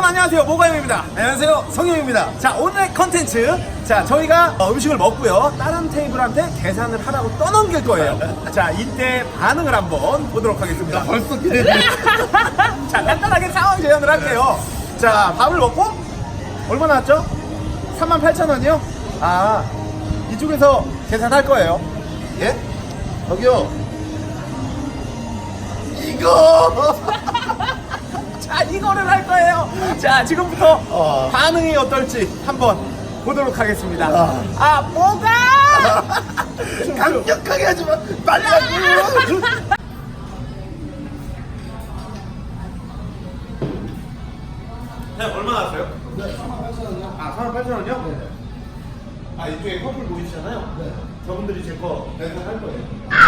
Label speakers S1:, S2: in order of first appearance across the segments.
S1: 안녕하세요, 모가임입니다.
S2: 안녕하세요, 성형입니다.
S1: 자, 오늘의 컨텐츠. 자, 저희가 음식을 먹고요, 다른 테이블한테 계산을 하라고 떠넘길 거예요. 자, 이때 반응을 한번 보도록 하겠습니다.
S2: 벌써 기대돼.
S1: 자, 간단하게 상황 재현을 할게요. 자, 밥을 먹고 얼마 나왔죠? 38,000원이요? 아, 이쪽에서 계산할 거예요.
S2: 예? 저기요. 이거.
S1: 자, 이거를 할 거예요. 자, 지금부터 반응이 어떨지 한번 보도록 하겠습니다. 뭐가?
S2: 강력하게 하지 마. 빨리 하고.
S1: 네, 얼마 나왔어요? 38,000원이요? 네. 아, 이쪽에 커플 보이시잖아요? 네. 저분들이 제 거 계산할 거예요.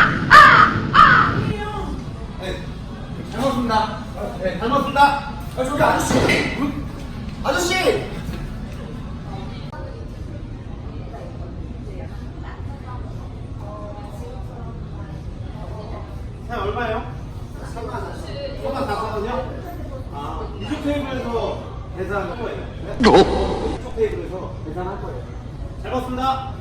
S1: 네. 잘 먹습니다. 네, 잘 먹습니다.
S2: 저기 아저씨. 아저씨.
S1: 네, 얼마예요? 34,000원이요? 아, 이쪽 테이블에서 계산할 거예요. 네? 이쪽 테이블에서 계산할 거예요. 잘 먹습니다.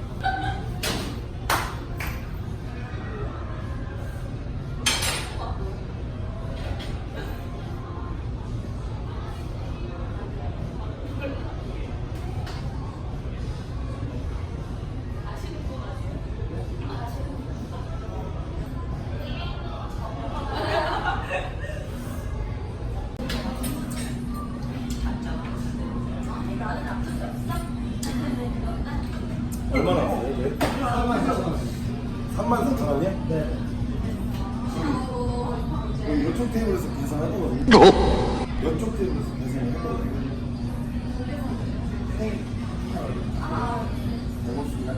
S2: 얼마 나왔어요? 네. 34,000원이요? 네. 이쪽 테이블에서 계산할 거거든요. 이쪽 테이블에서 계산을 할 거거든요. 배고프신가요?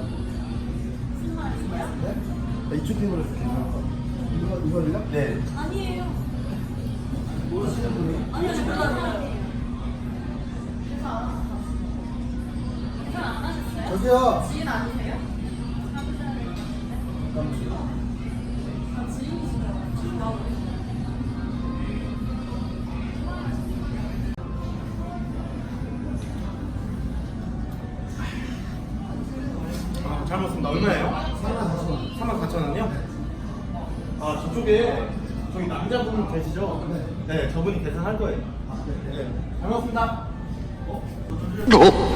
S2: 네? 이쪽 테이블에서 계산할 거예요. 이걸요? 네.
S3: 아니에요.
S2: 모르시는 분이?
S3: 아니요, 저 몰라요. 계산 안 하셨어요?
S2: 저기요.
S3: 지인 아니세요? 아, 지인이시죠? 지인 나오고.
S1: 아, 잘 먹습니다. 얼마예요? 34,000원이요? 아, 저쪽에 저기 남자분 계시죠? 네. 네, 저분이 계산할 거예요. 네. 잘 먹습니다.